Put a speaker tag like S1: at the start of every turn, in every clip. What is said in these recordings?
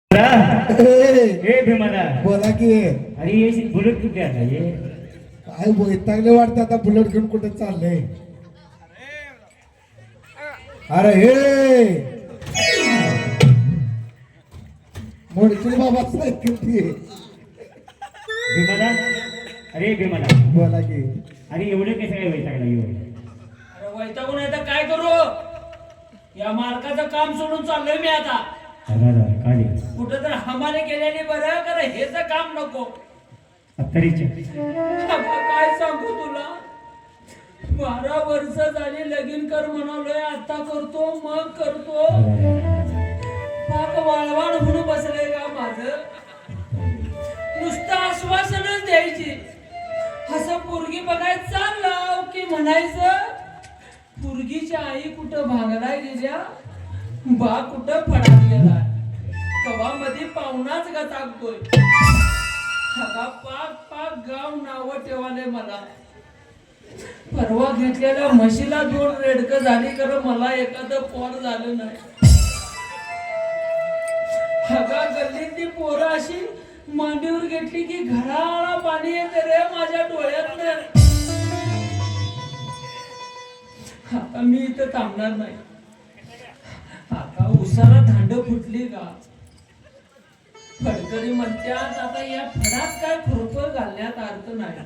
S1: हे भीमाला
S2: बोला की
S1: अरे ये बुलेट कुठे आता ये
S2: काय वैतागले वाटतं आता बुलेट घेऊन कुठे चाललंय. अरे हे मोडतील बाबा सायकल ती.
S1: भीमाला अरे भीमाला
S2: बोला की
S1: अरे एवढे कसं काय वैतागला येऊ.
S3: अरे वैतागून आहे तर काय करू. या मालकाचं काम सोडून चाललोय मी आता.
S1: काढे
S3: कुठं तर हमाले केल्याने बरं कर हेच काम नको.
S1: अत्तरीचे
S3: आता काय सांगू तुला. 12 वर्ष झाली लगीन कर म्हणालोय आता करतो मग करतो. पाक वाळवाण होऊन बसलंय का माझं. नुसतं आश्वासनच द्यायची. असं पोरगी बघायचं चाललं की म्हणायचं पोरगीची आई कुठं भांगला गेल्या बा कुठं फडात गेला. कवा मध्ये पाहुणाच का टाकतोय. पाक पाक गाव नाव ठेवाले मला. परवा घेतलेल्या म्हशीला 2 रेडकं झाली कर मला एखादं पोर झालं नाही. हगा गल्लीतली पोरं अशी मांडीवर घेतली की घळाळा पाणी येते रे माझ्या डोळ्यात. आता मी इथं थांबणार नाही. आता उसाला धांड फुटली का. फडकरी म्हणतात आता या फडात काय खुरपं घालण्यात अर्थ नाही.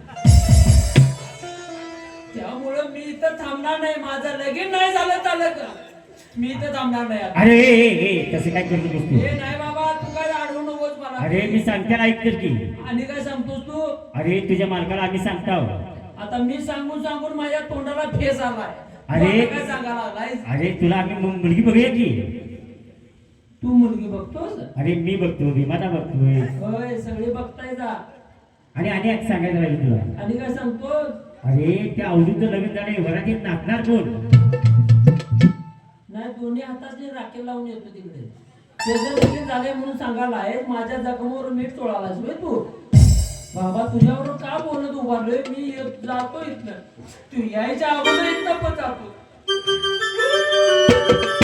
S3: त्यामुळं मी इथं थांबणार नाही. माझं लगीन नाही झालं चाललं का मी इथं थांबणार नाही.
S1: अरे कसं काय करतो तू.
S3: हे नाही बाबा तू काय अडवू नकोस मला.
S1: अरे मी सांगते ऐकतेस की.
S3: आणि काय सांगतोस तू.
S1: अरे तुझ्या मालकाला आम्ही सांगतो.
S3: आता मी सांगून सांगून माझ्या तोंडाला फेस आलाय.
S1: अरे
S3: काय सांगायला आलाय.
S1: अरे तुला आम्ही मुलगी बघूया की.
S3: तू मुलगी बघतोस.
S1: अरे मी बघतो भीमाला बघतोय.
S3: होय सगळे बघताय जा.
S1: आणि एक सांगायचं राहील तुला.
S3: आणि काय सांगतोस.
S1: अरे त्या अवधूतचं लग्न झालं घरात येत नाचणार कोण.
S3: नाही दोन्ही हाताने राखेल लावून येतो तिकडे. त्याचं लगीन झालंय म्हणून सांगायला आहे. माझ्या जखमावर मीठ चोळालास होय तू. बाबा तुझ्यावर का बोलत उभारलोय मी जातो इथनं. तू यायच्या अगोदर इथनं पण जातो.